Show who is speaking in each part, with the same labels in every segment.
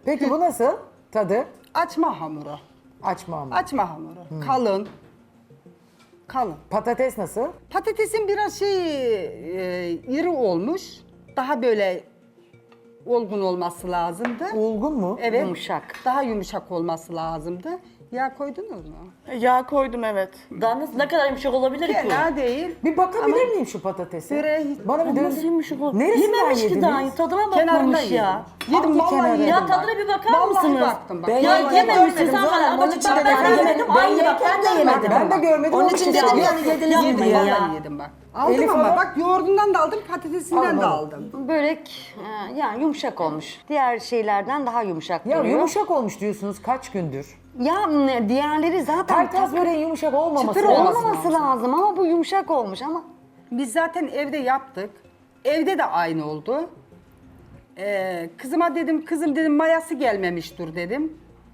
Speaker 1: Peki bu nasıl tadı?
Speaker 2: Açma hamuru.
Speaker 1: Açma ama.
Speaker 2: Açma hamuru. Kalın. Kalın.
Speaker 1: Patates nasıl?
Speaker 2: Patatesin biraz iri olmuş. Daha böyle olgun olması lazımdı.
Speaker 1: Olgun mu?
Speaker 2: Evet.
Speaker 3: Yumuşak.
Speaker 2: Daha yumuşak olması lazımdı. Yağ koydunuz mu?
Speaker 4: Yağ koydum evet.
Speaker 3: Daha ne kadar yumuşak olabilir ki?
Speaker 2: Fena değil.
Speaker 1: Bir bakabilir miyim şu patatese?
Speaker 2: Böreğe hiç-
Speaker 1: Bana bir
Speaker 3: Nasıl
Speaker 1: döndür.
Speaker 3: yumuşak olur?
Speaker 1: Neresinden
Speaker 3: Yememiş ki
Speaker 1: yediniz?
Speaker 3: daha. Tadına
Speaker 2: Kenarında
Speaker 3: bakmamış
Speaker 2: yedim.
Speaker 3: ya.
Speaker 2: Yedim
Speaker 1: Hangi
Speaker 2: vallahi
Speaker 1: kenarı?
Speaker 2: yedim.
Speaker 3: Ya
Speaker 2: bak.
Speaker 3: tadına bir bakar
Speaker 2: Vallahi
Speaker 3: mısınız?
Speaker 2: baktım bak.
Speaker 3: Ya yememişsin sen bana. Ama bak ben de yemedim. Aynı bak ben de yemedim.
Speaker 1: Ben de görmedim.
Speaker 5: Onun için dedim
Speaker 3: ya.
Speaker 5: yani yediniz
Speaker 2: Yedim
Speaker 5: mi ya?
Speaker 2: vallahi yedim bak. Aldım
Speaker 1: Elif
Speaker 2: ama
Speaker 1: Hanım?
Speaker 2: bak yoğurdundan da aldım, patatesinden de
Speaker 1: Almadım.
Speaker 2: aldım.
Speaker 3: Börek yani yumuşak olmuş. Diğer şeylerden daha yumuşak
Speaker 1: Ya
Speaker 3: duruyor.
Speaker 1: yumuşak olmuş diyorsunuz kaç gündür?
Speaker 3: Ya diğerleri zaten
Speaker 1: Kaytaz böreğin yumuşak olmaması
Speaker 2: Çıtır
Speaker 1: lazım.
Speaker 3: olmaması lazım ama bu yumuşak olmuş ama.
Speaker 2: Biz zaten evde yaptık. Evde de aynı oldu. Kızıma dedim, kızım dedim mayası gelmemiştir dedim.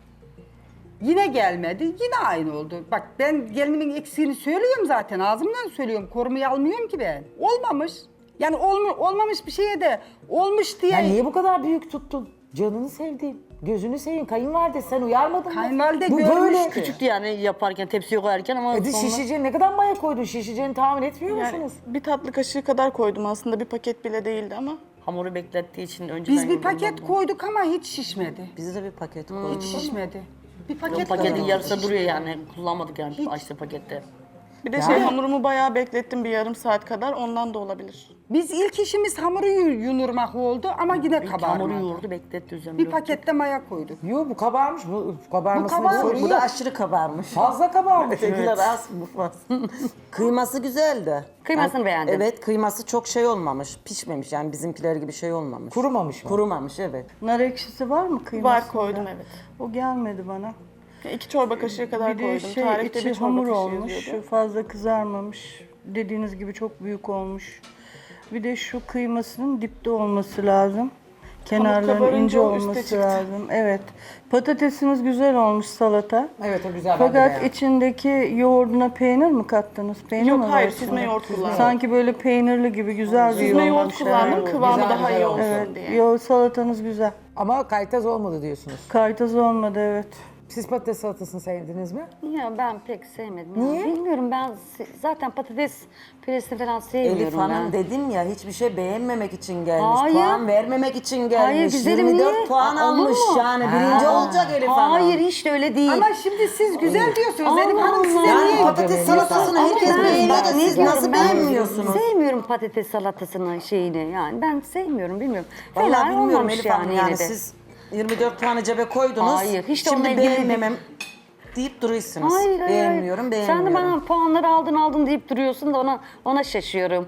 Speaker 2: Yine gelmedi, yine aynı oldu. Bak ben gelinimin eksiğini söylüyorum zaten, ağzımdan söylüyorum. Korumayı almıyorum ki ben. Olmamış. Yani olmamış bir şeye de olmuş diye.
Speaker 1: Ya niye bu kadar büyük tuttun? Canını sevdiğim, gözünü seveyim. Kayınvalide sen uyarmadın mı?
Speaker 2: Kayınvalide
Speaker 1: Bu
Speaker 2: görmüştü.
Speaker 1: böyle.
Speaker 3: Küçüktü yani yaparken, tepsiye koyarken ama sonra...
Speaker 1: Şişeceğini ne kadar maya koydun? Şişeceğini tahmin etmiyor
Speaker 4: Yani
Speaker 1: musunuz?
Speaker 4: bir tatlı kaşığı kadar koydum aslında. Bir paket bile değildi ama.
Speaker 3: Hamuru beklettiği için önceden...
Speaker 2: Biz bir
Speaker 3: yoğurdum
Speaker 2: paket
Speaker 3: ben.
Speaker 2: koyduk ama hiç şişmedi.
Speaker 5: Bize de bir paket
Speaker 2: Hiç
Speaker 5: koyduk.
Speaker 2: şişmedi. Bir
Speaker 3: Yok,
Speaker 2: paket
Speaker 3: paketin
Speaker 2: koyduk.
Speaker 3: yarısı duruyor yani. Kullanmadık yani açtı pakette.
Speaker 4: Bir de hamurumu bayağı beklettim bir yarım saat kadar. Ondan da olabilir.
Speaker 2: Biz ilk işimiz hamuru yunurmak oldu ama yine
Speaker 3: Hamuru
Speaker 2: kabarmadı.
Speaker 3: yoğurdu, bekletti üzerine.
Speaker 2: Bir pakette maya koyduk.
Speaker 1: Yok bu kabarmış. Bu kabarmasına
Speaker 2: Bu kabarmış.
Speaker 1: bir sorun
Speaker 5: Bu da
Speaker 1: yok.
Speaker 5: aşırı kabarmış.
Speaker 1: Fazla kabarmış.
Speaker 5: Ötekiler az bu fazla. Kıyması güzeldi.
Speaker 3: Kıymasını beğendim.
Speaker 5: Evet, kıyması çok şey olmamış, pişmemiş yani bizimkiler gibi şey olmamış.
Speaker 1: Kurumamış mı?
Speaker 5: Kurumamış evet.
Speaker 6: Nar ekşisi var mı kıymasında?
Speaker 4: Var koydum evet.
Speaker 6: O gelmedi bana.
Speaker 4: 2 çorba kaşığı kadar
Speaker 6: Bir de
Speaker 4: koydum.
Speaker 6: şey
Speaker 4: Tarifte
Speaker 6: içi
Speaker 4: bir çorba
Speaker 6: hamur
Speaker 4: kaşığı
Speaker 6: olmuş,
Speaker 4: yazıyordu.
Speaker 6: fazla kızarmamış. Dediğiniz gibi çok büyük olmuş. Bir de şu kıymasının dipte olması lazım. Kenarların
Speaker 4: kabarınca
Speaker 6: ince
Speaker 4: o üste
Speaker 6: olması
Speaker 4: çıktı.
Speaker 6: lazım. Evet. Patatesiniz güzel olmuş salata.
Speaker 1: Evet o güzel. ben de
Speaker 6: Fakat
Speaker 1: beğendim.
Speaker 6: içindeki yoğurduna peynir mi kattınız? Peynir
Speaker 4: Yok
Speaker 6: mi var
Speaker 4: hayır
Speaker 6: içinde?
Speaker 4: süzme yoğurt kullandım.
Speaker 6: Sanki böyle peynirli gibi güzel bir
Speaker 4: Süzme yoğurt
Speaker 6: yoğurmuşlar.
Speaker 4: kullandım kıvamı
Speaker 1: Güzel,
Speaker 4: daha
Speaker 1: güzel
Speaker 4: iyi
Speaker 1: olmuş.
Speaker 4: olsun
Speaker 6: Evet,
Speaker 4: diye.
Speaker 6: salatanız güzel.
Speaker 1: Ama kaytaz olmadı diyorsunuz.
Speaker 6: Kaytaz olmadı evet.
Speaker 1: Siz patates salatasını sevdiniz mi?
Speaker 3: Ya ben pek sevmedim.
Speaker 1: Niye?
Speaker 3: Ya. Bilmiyorum ben zaten patates püresini falan sevmiyorum
Speaker 5: Elif Hanım
Speaker 3: ben.
Speaker 5: dedim ya hiçbir şey beğenmemek için gelmiş.
Speaker 3: Hayır.
Speaker 5: Puan vermemek için gelmiş.
Speaker 3: Hayır, güzelim,
Speaker 5: 24
Speaker 3: niye?
Speaker 5: puan
Speaker 3: Aa, olur
Speaker 5: almış
Speaker 3: mu?
Speaker 5: yani. Birinci olacak Elif Hanım.
Speaker 3: Hayır hiç de öyle değil.
Speaker 2: Ama şimdi siz güzel diyorsunuz.
Speaker 3: Allah
Speaker 2: Elif Hanım size
Speaker 3: Allah.
Speaker 5: Yani
Speaker 2: niye?
Speaker 5: patates salatasını
Speaker 3: Ama
Speaker 5: herkes
Speaker 3: ben-
Speaker 5: beğeniyor da
Speaker 3: ben
Speaker 5: siz
Speaker 3: sevmiyorum.
Speaker 5: nasıl
Speaker 3: Ben
Speaker 5: beğenmiyorsunuz?
Speaker 3: Sevmiyorum patates salatasını şeyini yani ben sevmiyorum bilmiyorum.
Speaker 5: Vallahi
Speaker 3: Fena
Speaker 5: bilmiyorum
Speaker 3: olmamış
Speaker 5: Elif Hanım yani
Speaker 3: yine de.
Speaker 5: siz 24 tane cebe koydunuz.
Speaker 3: Hayır, hiç de
Speaker 5: Şimdi
Speaker 3: onunla ilgili
Speaker 5: beğenmemem deyip duruyorsunuz.
Speaker 3: Hayır, hayır,
Speaker 5: Beğenmiyorum,
Speaker 3: hayır.
Speaker 5: beğenmiyorum.
Speaker 3: Sen de bana puanları aldın deyip duruyorsun da ona şaşıyorum.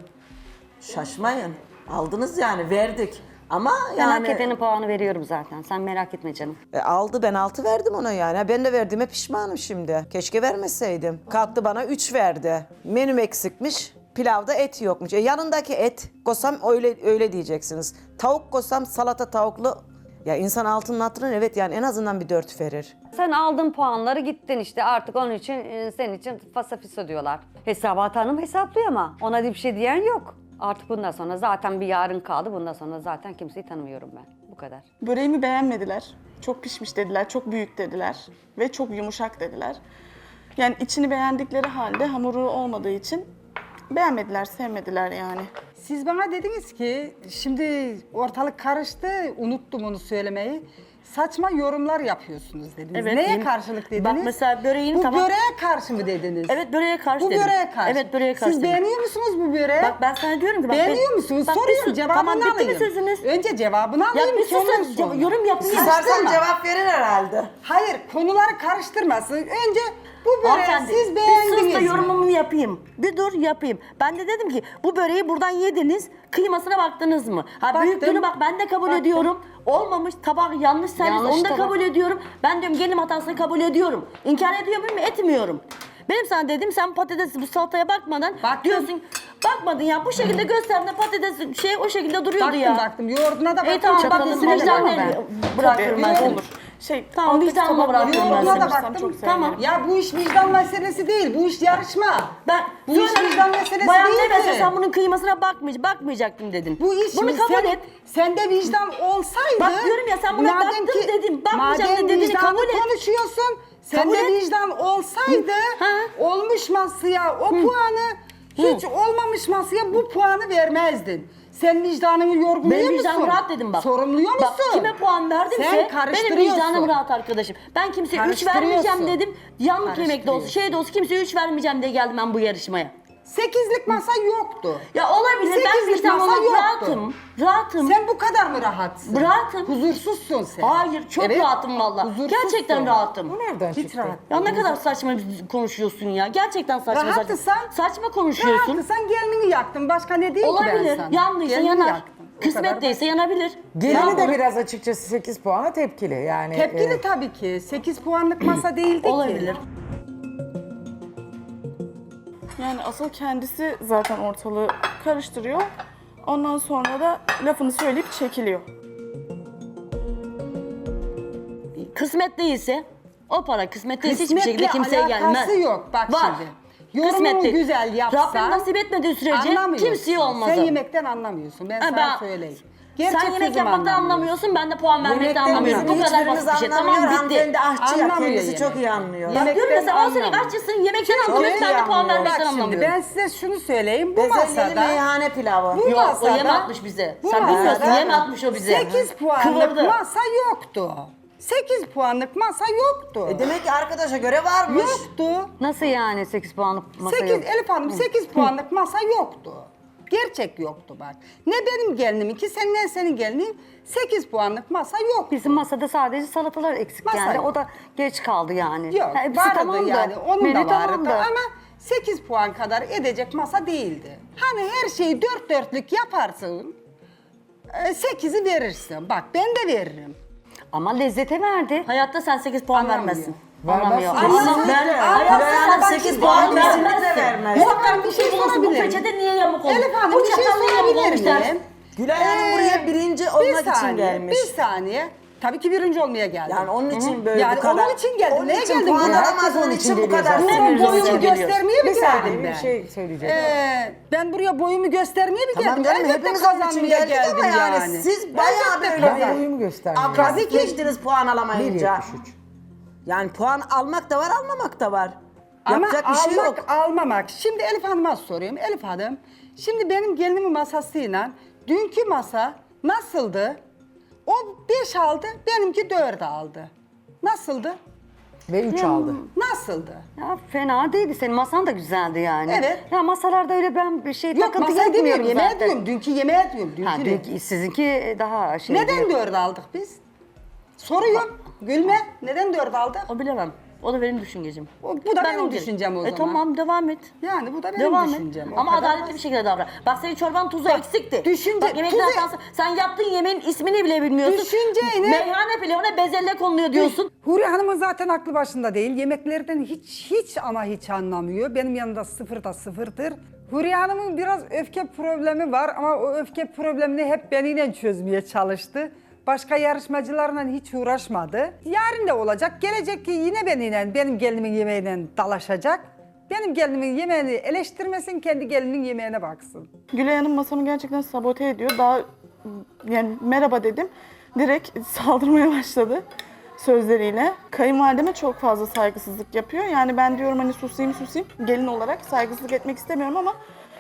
Speaker 5: Şaşmayın. Aldınız yani verdik. Ama
Speaker 3: Ben hak
Speaker 5: yani
Speaker 3: edenin puanı veriyorum zaten. Sen merak etme canım.
Speaker 5: aldı ben 6 verdim ona yani. Ha, ben de verdiğime pişmanım şimdi. Keşke vermeseydim. Kalktı bana 3 verdi. Menüm eksikmiş. Pilavda et yokmuş. Yanındaki et kosam öyle diyeceksiniz. Tavuk kosam salata tavuklu. Ya insan altının hatırına evet yani en azından bir 4 verir.
Speaker 3: Sen aldın puanları gittin işte artık onun için senin için fasafiso diyorlar. Hesabat Hanım hesaplıyor ama ona bir şey diyen yok. Artık bundan sonra zaten bir yarın kaldı. Bundan sonra zaten kimseyi tanımıyorum ben. Bu kadar.
Speaker 4: Böreğimi beğenmediler. Çok pişmiş dediler, çok büyük dediler ve çok yumuşak dediler. Yani içini beğendikleri halde hamuru olmadığı için beğenmediler, sevmediler yani.
Speaker 2: Siz bana dediniz ki şimdi ortalık karıştı, unuttum onu söylemeyi. Saçma yorumlar yapıyorsunuz dediniz.
Speaker 3: Evet,
Speaker 2: Neye
Speaker 3: yemin-
Speaker 2: karşılık dediniz?
Speaker 3: Bak mesela böreğini
Speaker 2: Bu
Speaker 3: tamam-
Speaker 2: böreğe karşı mı dediniz?
Speaker 3: Evet böreğe karşı
Speaker 2: Bu
Speaker 3: dedim.
Speaker 2: böreğe karşı.
Speaker 3: Evet böreğe karşı
Speaker 2: Siz
Speaker 3: dedim.
Speaker 2: beğeniyor musunuz bu böreği?
Speaker 3: Bak ben sana diyorum ki bak.
Speaker 2: Beğeniyor musunuz?
Speaker 3: Bak,
Speaker 2: Soruyorum
Speaker 3: bir
Speaker 2: cevabını
Speaker 3: tamam,
Speaker 2: alayım.
Speaker 3: bitti mi sözünüz?
Speaker 2: Önce cevabını
Speaker 3: Ya
Speaker 2: alayım
Speaker 3: bir
Speaker 2: ki ondan
Speaker 3: susun
Speaker 2: sonra.
Speaker 3: yorum yapayım.
Speaker 5: Susarsan cevap verir herhalde.
Speaker 2: Hayır konuları karıştırmasın. Önce bu böreği
Speaker 3: Hanımefendi,
Speaker 2: siz
Speaker 3: bir
Speaker 2: beğendiniz
Speaker 3: sus da
Speaker 2: mi?
Speaker 3: yorumumu yapayım. Bir dur yapayım. Ben de dedim ki bu böreği buradan yediniz, kıymasına baktınız mı? Ha
Speaker 2: Baktım.
Speaker 3: büyüklüğünü bak ben de kabul
Speaker 2: Baktım.
Speaker 3: ediyorum. Olmamış tabak yanlış servis Yanlış onu da tabak. kabul ediyorum. Ben diyorum gelin hatasını kabul ediyorum. İnkar ediyor muyum? Etmiyorum. Benim sana dedim sen patates bu salataya bakmadan
Speaker 2: Baktım.
Speaker 3: diyorsun bakmadın ya bu şekilde gösterdiğinde patates şey o şekilde duruyordu
Speaker 2: Baktım
Speaker 3: ya.
Speaker 2: baktım yoğurduna da baktım.
Speaker 3: Tamam bak
Speaker 2: çatalın
Speaker 3: süreçten
Speaker 2: balığı.
Speaker 3: bırakırım ben
Speaker 2: Tabii,
Speaker 3: sana.
Speaker 2: olur.
Speaker 7: Tamam,
Speaker 4: alttaki
Speaker 7: vicdanla
Speaker 4: tabakları
Speaker 7: bırakıyorum ben
Speaker 2: Yoğurduna
Speaker 7: seni.
Speaker 2: da baktım.
Speaker 4: çok
Speaker 7: Tamam.
Speaker 4: sevinirim.
Speaker 2: Ya bu iş vicdan meselesi değil. Bu iş yarışma. Bu iş
Speaker 7: Söyle,
Speaker 2: vicdan meselesi
Speaker 7: bayan
Speaker 2: değil
Speaker 7: demese
Speaker 2: ki.
Speaker 7: sen bunun kıymasına bakmayacaktım dedin.
Speaker 2: Bu iş
Speaker 7: Bunu kabul et.
Speaker 2: Sende vicdan olsaydı.
Speaker 7: Bak diyorum ya, sen buna
Speaker 2: madem
Speaker 7: baktın
Speaker 2: ki-
Speaker 7: dedim, bakmayacağım
Speaker 2: madem
Speaker 7: dediğini
Speaker 2: vicdanı
Speaker 7: kabul et.
Speaker 2: konuşuyorsun.
Speaker 7: Kabul
Speaker 2: Sende
Speaker 7: et.
Speaker 2: vicdan olsaydı
Speaker 7: Ha.
Speaker 2: olmuş masaya o puanı hiç olmamış masaya bu puanı vermezdin. Sen vicdanını yorguluyor
Speaker 7: Benim
Speaker 2: musun?
Speaker 7: vicdanım rahat dedim bak.
Speaker 2: Sorumluyor musun?
Speaker 7: Bak, kime puan verdimse
Speaker 2: Sen
Speaker 7: benim
Speaker 2: karıştırıyorsun.
Speaker 7: vicdanım rahat arkadaşım. Ben kimseye 3
Speaker 2: Karıştırıyorsun.
Speaker 7: vermeyeceğim dedim. Yanlık yemek de olsun,
Speaker 2: Karıştırıyorsun.
Speaker 7: şey de olsun, kimseye 3 vermeyeceğim diye geldim ben bu yarışmaya.
Speaker 2: 8'lik masa yoktu.
Speaker 7: Ya olabilir, ben
Speaker 2: Sekizlik
Speaker 7: vicdan
Speaker 2: masa
Speaker 7: olarak
Speaker 2: yoktu.
Speaker 7: rahatım.
Speaker 2: Sen bu kadar mı rahatsın?
Speaker 7: Rahatım.
Speaker 2: Huzursuzsun sen.
Speaker 7: Hayır, çok
Speaker 2: Evet,
Speaker 7: rahatım valla.
Speaker 2: huzursuzsun.
Speaker 7: Gerçekten rahatım.
Speaker 1: Bu nereden
Speaker 2: Hiç
Speaker 1: çıktı?
Speaker 2: rahat.
Speaker 7: Ya ne kadar saçma konuşuyorsun ya. Gerçekten saçma
Speaker 2: Rahatsan-
Speaker 7: saçma konuşuyorsun.
Speaker 2: Rahatsan gelini yaktın. Başka ne diyeyim ki ben
Speaker 7: Olabilir.
Speaker 2: sana?
Speaker 7: Yandıysa
Speaker 2: Gelini
Speaker 7: yanar.
Speaker 2: yaktın. O kadar
Speaker 7: Kısmet değilse yanabilir.
Speaker 1: Gelini de
Speaker 7: Ya,
Speaker 1: biraz açıkçası 8 puana tepkili yani.
Speaker 2: Tepkili tabii ki. 8 puanlık masa değildi ki.
Speaker 7: olabilir.
Speaker 4: Yani asıl kendisi zaten ortalığı karıştırıyor. Ondan sonra da lafını söyleyip çekiliyor.
Speaker 7: Kısmet değilse o para kısmet değilse hiçbir
Speaker 2: Kısmetle
Speaker 7: şekilde kimseye gelmez.
Speaker 2: alakası yok. Bak
Speaker 7: Var.
Speaker 2: şimdi. Yorumunu
Speaker 7: Kısmetli.
Speaker 2: güzel yapsa.
Speaker 7: Rabbim nasip etmediği sürece
Speaker 2: anlamıyorsun.
Speaker 7: kimseye olmaz.
Speaker 2: Sen
Speaker 7: o.
Speaker 2: yemekten anlamıyorsun. Ben
Speaker 7: Ha,
Speaker 2: sana söyleyeyim.
Speaker 7: Sen
Speaker 2: Gerçek
Speaker 7: yemek
Speaker 2: sözümü
Speaker 7: yapmaktan
Speaker 2: anlamıyorsun.
Speaker 7: anlamıyorsun, ben de puan vermekten
Speaker 5: Yemekten
Speaker 7: anlamıyorum.
Speaker 5: bizim
Speaker 7: Bu kadar
Speaker 5: hiçbirimiz
Speaker 7: basit bir şey.
Speaker 5: anlamıyor.
Speaker 7: Tamam, bitti.
Speaker 5: Hanımefendi aşçı ya,
Speaker 2: Anlamıyor
Speaker 5: kendisi
Speaker 2: yemek.
Speaker 5: çok iyi anlıyor.
Speaker 7: Bak diyorum ya, sen 10 senelik
Speaker 2: anlamıyor.
Speaker 7: aşçısın, yemekten anlıyorsun,
Speaker 5: iyi
Speaker 7: ben de puan
Speaker 5: anlıyor.
Speaker 7: vermekten
Speaker 2: Bak şimdi
Speaker 7: anlamıyorum.
Speaker 2: ben size şunu söyleyeyim. Bu
Speaker 5: Bezelyeli
Speaker 2: masada
Speaker 5: meyhane pilavı.
Speaker 2: Bu
Speaker 7: Yok, o
Speaker 2: masada-
Speaker 7: yem atmış bize.
Speaker 2: bu
Speaker 7: Sen bilmiyorsun,
Speaker 2: masada
Speaker 7: yem atmış o bize.
Speaker 2: 8 puanlık
Speaker 7: Kıvırdı.
Speaker 2: masa yoktu. 8 puanlık masa yoktu.
Speaker 5: Demek ki arkadaşa göre varmış.
Speaker 2: Yoktu.
Speaker 3: Nasıl yani 8 puanlık masa
Speaker 2: 8
Speaker 3: yok?
Speaker 2: Elif Hanım 8 puanlık masa yoktu. Gerçek yoktu bak. Ne benim geliniminki ne senin gelinin 8 puanlık masa yok.
Speaker 3: Bizim masada sadece salatalar eksik
Speaker 2: Masa
Speaker 3: yani.
Speaker 2: yok.
Speaker 3: O da geç kaldı yani.
Speaker 2: Yok
Speaker 3: Hepsi
Speaker 2: vardı
Speaker 3: tamamdı.
Speaker 2: yani onun
Speaker 3: Menü
Speaker 2: da vardı
Speaker 3: tamamdı.
Speaker 2: ama 8 puan kadar edecek masa değildi. Hani her şeyi 4 dörtlük yaparsın 8'i verirsin. Bak ben de veririm.
Speaker 3: Ama lezzete verdi.
Speaker 7: Hayatta sen 8 puan
Speaker 2: Anlamıyor.
Speaker 7: vermezsin.
Speaker 1: Vermezsin.
Speaker 7: Anlamıyor.
Speaker 5: Kesinlikle.
Speaker 7: Hayatta
Speaker 5: Ben
Speaker 7: sen
Speaker 5: 8 puan
Speaker 7: vermezsin.
Speaker 5: kesinlikle vermez.
Speaker 7: Muhakkak
Speaker 2: Bir
Speaker 7: bir
Speaker 2: şey
Speaker 7: şey bulursun. Bu
Speaker 2: sorabilir
Speaker 7: peçete niye yamuk olmuş?
Speaker 2: Elif Hanım
Speaker 7: Bu
Speaker 2: bir şey
Speaker 7: çatal niye yamuk olmuş
Speaker 2: sorabilir
Speaker 7: dersin.
Speaker 2: miyim?
Speaker 5: Gülay Hanım buraya birinci olmak için gelmiş.
Speaker 2: Bir saniye. Tabii ki birinci olmaya geldim.
Speaker 5: Yani onun için böyle
Speaker 2: Yani
Speaker 5: bu kadar.
Speaker 2: onun için geldim.
Speaker 5: Onun
Speaker 2: Neye
Speaker 5: için
Speaker 2: geldim
Speaker 5: puan
Speaker 2: buraya?
Speaker 5: alamaz,
Speaker 1: Herkes
Speaker 5: onun
Speaker 1: onun
Speaker 5: için
Speaker 1: için
Speaker 5: bu kadar.
Speaker 1: geliyor zaten.
Speaker 2: Buraya boyumu
Speaker 7: geliyoruz.
Speaker 2: göstermeye mi
Speaker 1: Bir
Speaker 2: geldim
Speaker 1: saniye
Speaker 2: ben?
Speaker 1: bir şey söyleyeceğim.
Speaker 2: Ben buraya boyumu göstermeye mi
Speaker 5: Tamam
Speaker 2: geldim?
Speaker 5: canım
Speaker 2: Elbette
Speaker 5: hepimiz onun için
Speaker 2: kazanmaya
Speaker 5: geldik
Speaker 2: geldim
Speaker 5: ama yani,
Speaker 2: yani.
Speaker 5: siz bayağı
Speaker 2: Elbette
Speaker 5: böyle
Speaker 1: Ben boyumu göstermiyorum.
Speaker 5: agresifleştiniz puan alamayınca.
Speaker 1: 1.73.
Speaker 5: Yani puan almak da var, almamak da var.
Speaker 2: Ama
Speaker 5: Yapacak bir şey
Speaker 2: almak,
Speaker 5: yok.
Speaker 2: almamak. Şimdi Elif Hanım'a soruyorum. Elif Hanım, şimdi benim gelinimin masasıyla dünkü masa nasıldı? O 5 aldı, benimki 4 aldı. Nasıldı?
Speaker 1: Ve 3 aldı.
Speaker 2: Nasıldı?
Speaker 3: Ya fena değildi. Senin masan da güzeldi yani.
Speaker 2: Evet.
Speaker 3: Ya masalarda öyle ben bir şey
Speaker 2: Yok
Speaker 3: takıntı
Speaker 2: masayı
Speaker 3: yapmıyorum
Speaker 2: demiyorum, yemeğe
Speaker 3: zaten.
Speaker 2: diyorum. Dünkü yemeğe diyorum. Dünkü
Speaker 3: Ha,
Speaker 2: ne?
Speaker 3: dünkü, sizinki daha şey.
Speaker 2: Neden 4 aldık biz? Soruyorum. Gülme. Neden 4 aldık?
Speaker 7: O bilemem. O da benim düşüncem.
Speaker 2: Bu da benim
Speaker 7: onu
Speaker 2: düşüncem o zaman.
Speaker 7: Tamam, devam et.
Speaker 2: Yani bu da benim
Speaker 7: Devam
Speaker 2: düşüncem.
Speaker 7: et.
Speaker 2: O
Speaker 7: Ama
Speaker 2: kadar
Speaker 7: adaletli
Speaker 2: basit.
Speaker 7: bir şekilde davran. Bak senin çorban tuzu eksikti.
Speaker 2: düşünce-
Speaker 7: Bak yemekler
Speaker 2: tuzu-
Speaker 7: hatası. Sen yaptığın yemeğin ismini bile bilmiyorsun.
Speaker 2: Düşünceyle-
Speaker 7: Meyhane pilavına bezelle konuluyor diyorsun.
Speaker 2: Huriye Hanım'ın zaten aklı başında değil. Yemeklerden hiç ama hiç anlamıyor. Benim yanımda sıfırda sıfırdır. Huriye Hanım'ın biraz öfke problemi var ama o öfke problemini hep benimle çözmeye çalıştı. Başka yarışmacılarla hiç uğraşmadı. Yarın da olacak. Gelecek ki yine benimle, benim gelinimin yemeğiyle dalaşacak. Benim gelinimin yemeğini eleştirmesin, kendi gelinin yemeğine baksın.
Speaker 4: Gülay Hanım masamı gerçekten sabote ediyor. Daha yani merhaba dedim. Direkt saldırmaya başladı sözleriyle. Kayınvalideme çok fazla saygısızlık yapıyor. Yani ben diyorum hani susayım. Gelin olarak saygısızlık etmek istemiyorum ama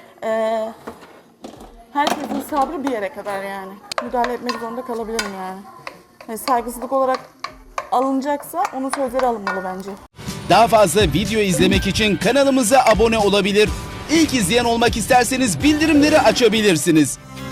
Speaker 4: herkesin sabrı bir yere kadar yani. Müdahale etmek zorunda kalabilirim yani. Yani saygısızlık olarak alınacaksa onun sözleri alınmalı bence.
Speaker 8: Daha fazla video izlemek için kanalımıza abone olabilir. İlk izleyen olmak isterseniz bildirimleri açabilirsiniz.